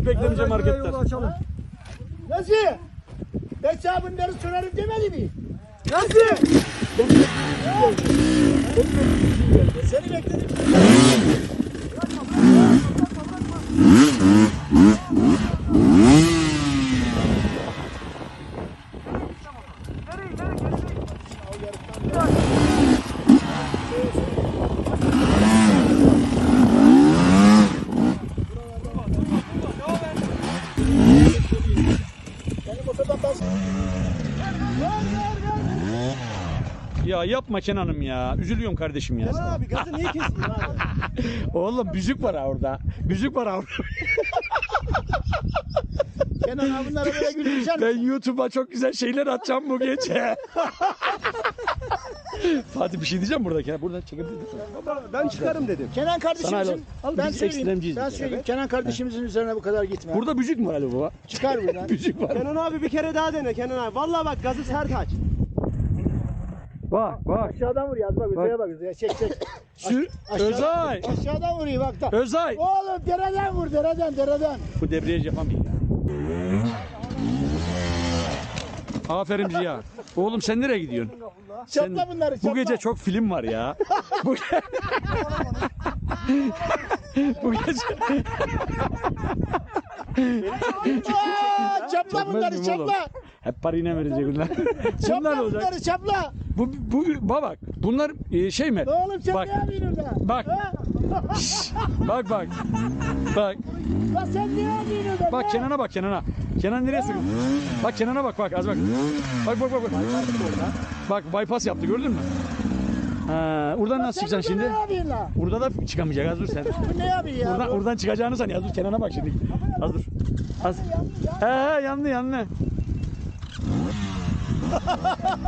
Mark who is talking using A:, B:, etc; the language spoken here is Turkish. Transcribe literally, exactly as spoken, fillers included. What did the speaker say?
A: hiç beklemeyeceğim hareketler.
B: Nasıl? Ben sana bunları sorarım demedi mi? Nasıl? Seni bekledim.
A: Ya yapma Kenan'ım ya. Üzülüyorum kardeşim ya.
B: Kenan abi gazı niye kestin abi?
A: Oğlum büzük var ha orada. Büzük var ha orada.
B: Kenan abi bunlara böyle gülmeyecek
A: Ben YouTube'a çok güzel şeyler atacağım bu gece. Fatih bir şey diyeceğim burada Kenan. Buradan çekebilir misin?
C: Ben çıkarım dedim.
B: Kenan kardeşimizin,
A: Al,
B: ben
A: biz
B: söyleyeyim,
A: ekstremciyiz
B: ben
A: biz.
B: söyleyeyim.
A: Evet.
B: Kenan kardeşimizin üzerine bu kadar gitme.
A: Burada büzük mü var Ali baba?
B: Çıkar buradan.
A: Büzük var.
C: Kenan abi bir kere daha dene Kenan abi. Vallahi bak gazı sert aç.
A: Bak bak.
B: Aşağıdan vuruyor, az bak, üzeye bak, üzeye. Çek, çek.
A: Sür.
B: Aşağı-
A: Özay.
B: Aşağıdan vuruyor bak da.
A: Özay.
B: Oğlum dereden vur, dereden, dereden.
A: Bu debriyaj yapamıyor ya. Aferin Ziya. Oğlum sen nereye gidiyorsun? Sen-
B: Çapla bunları, çapla.
A: Bu gece çok film var ya. bu, bu gece
B: Aa, çapla bunları,
A: Çekmez miyim oğlum?
B: çapla.
A: hep parayla verecek bunlar. Bunlar
B: Çapla
A: olacak.
B: bunları, çapla.
A: Bu bu bak bunlar e, şey mi?
B: Oğlum sen
A: Bak.
B: ne yapıyorsun orada?
A: Bak.
B: Ha?
A: Bak bak. Bak.
B: Lan sen ne yapıyorsun orada?
A: Bak Kenan'a bak Kenan'a. Kenan nereye sürüyor? Bak Kenan'a bak bak az bak. Bak bak bak. Bak, bak bypass yaptı gördün mü? Ha, oradan nasıl
B: Sen
A: çıkacaksın
B: burada
A: şimdi?
B: ne yapıyorsun lan?
A: Burada da çıkamayacak az dur sen.
B: Bu ne yapıyor ya?
A: Oradan,
B: bu?
A: oradan çıkacağını san ya dur Kenan'a bak şimdi. Az dur. Az. He he yandı yandı.